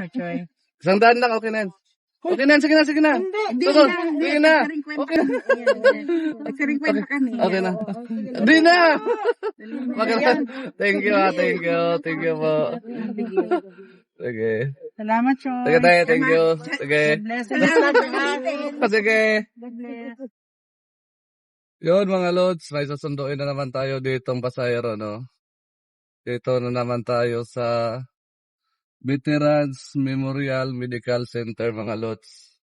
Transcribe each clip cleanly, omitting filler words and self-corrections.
Magkano, Choy? 100 lang, okay na yan. Okay na, sige na, sige na. Hindi Sige na. sige na. Okay na. Nagsaring kwenta kami. Okay na. Hindi na. Maganda. Thank you, thank you. Thank you po. Sige. Salamat, Choy. Sige tayo, thank you. Sige. Bless. Sige. God bless. Yun mga lods, may susunduin na naman tayo ditong pasahero, no? Dito na naman tayo sa Veterans Memorial Medical Center, mga lods.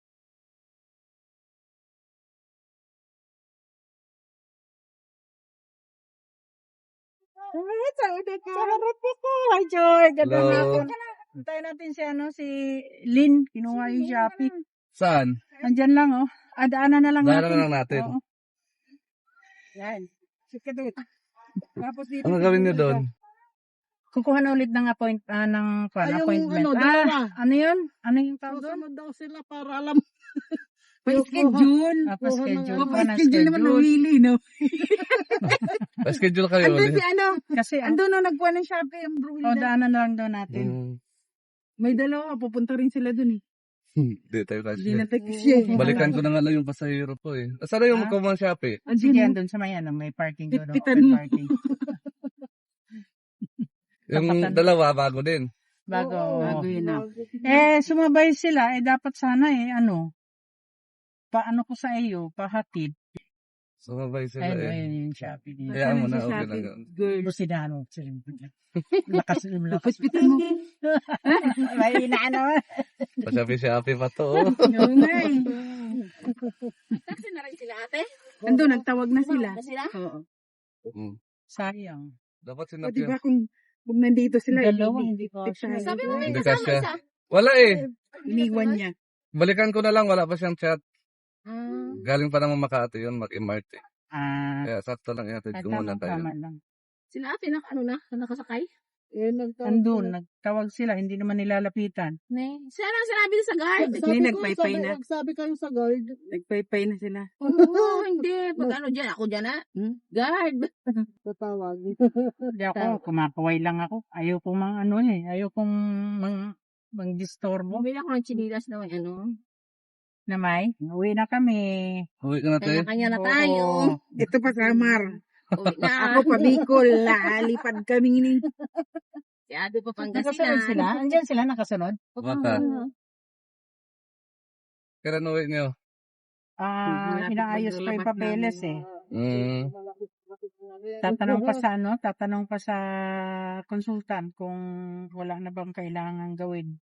Hi, Joy. Ganda Hello. na ako. Antayin natin si Lynn. Kinuha yung Shopee. Saan? Andyan lang, oh. Daanan na lang Daanan natin. na lang natin. Oo. Yan. Sige doon. Tapos dito. Ano gawin niyo doon? Kukuha na ulit ng appointment. dalawa. Ano yun? Ano yung tawag doon? Susunod daw sila para alam. Pa-schedule. Pa-schedule. Pa-schedule naman ng Willy, no? Pa-schedule kayo Andun ulit. si ano, Kasi, andun na nagkuha ng Shopee ang Brunel. daanan na lang daw natin. May dalawa, pupunta rin sila dun eh. Hindi tayo Hindi kasi. na siya eh. Balikan ko na nga lang yung pasahero po eh. Saan na yung magkumang Shopee? Sige, andun sa may may parking doon. Pitpitan mo. Parking. Yung Tapatan. dalawa, bago din. Bago. Bago yun na. Sumabay sila. Dapat sana paano ko sa iyo, pahatid. Sumabay sila eh. Ayun yung Shopee dito. Kaya mo na, si okay Shopee? lang. Girl, si Dano. Lakas. Hospital mo. May inaano. Pa-Shopee pa to. Oh. Oo nga eh. Taxi na rin sila ate? Andun, nagtawag na sila. Na sila? Oo. Sayang. Dapat O sinap diba yun. kung nandito sila, Dalawa, hindi ko. Sabi mo may Hindi kasama kasya. isa. Wala eh. iniwan niya. Balikan ko na lang, wala pa siyang chat. Ah. Galing pa naman Makati yun, mag-MRT. Ah, Kaya sakto lang ihatid ko muna tayo. tama lang. Sila ate nakasakay? Andun, nagtawag sila, hindi naman nilalapitan. Ne. Sila lang sinabi sa guard. Hindi, nagpaypay na. Sabi kayo sa guard. Nagpaypay na sila. Oo, hindi. Pag ano dyan, ako dyan ah. Guard. Tatawag. Hindi ako, kumakaway lang ako. Ayaw kong ayaw kong mang-disturbo. Bumili ako ng chinilas na may ano. Na may, uwi na kami. Uwi ka na tayo. Kanya-kanya na tayo. Oo. Ito pa Samar. Uwi na. Ako pa Bicol. Lalipad kami ni. Si Ado pa Nakasunod Pangasinan. sila? Andyan sila nakasunod? Baka. Kailan uwi niyo? Inaayos pa yung papeles eh. Mm. Tatanong pa sa consultant kung wala na bang kailangan gawin.